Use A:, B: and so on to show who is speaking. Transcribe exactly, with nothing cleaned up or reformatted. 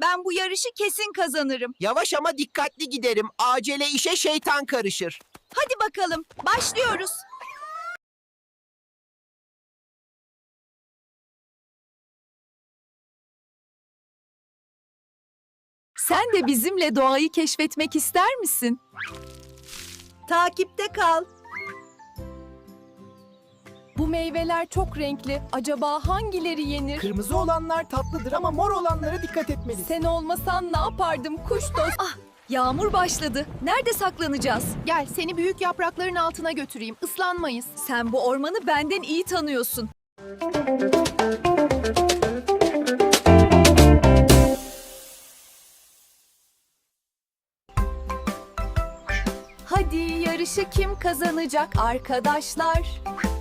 A: Ben bu yarışı kesin kazanırım.
B: Yavaş ama dikkatli giderim. Acele işe şeytan karışır.
A: Hadi bakalım, başlıyoruz.
C: Sen de bizimle doğayı keşfetmek ister misin?
A: Takipte kal.
C: Bu meyveler çok renkli. Acaba hangileri yenir?
D: Kırmızı olanlar tatlıdır ama mor olanlara dikkat etmelisin.
C: Sen olmasan ne yapardım kuş dost?
A: Ah, yağmur başladı. Nerede saklanacağız?
C: Gel seni büyük yaprakların altına götüreyim. Islanmayız.
A: Sen bu ormanı benden iyi tanıyorsun.
C: Hadi yarışı kim kazanacak arkadaşlar?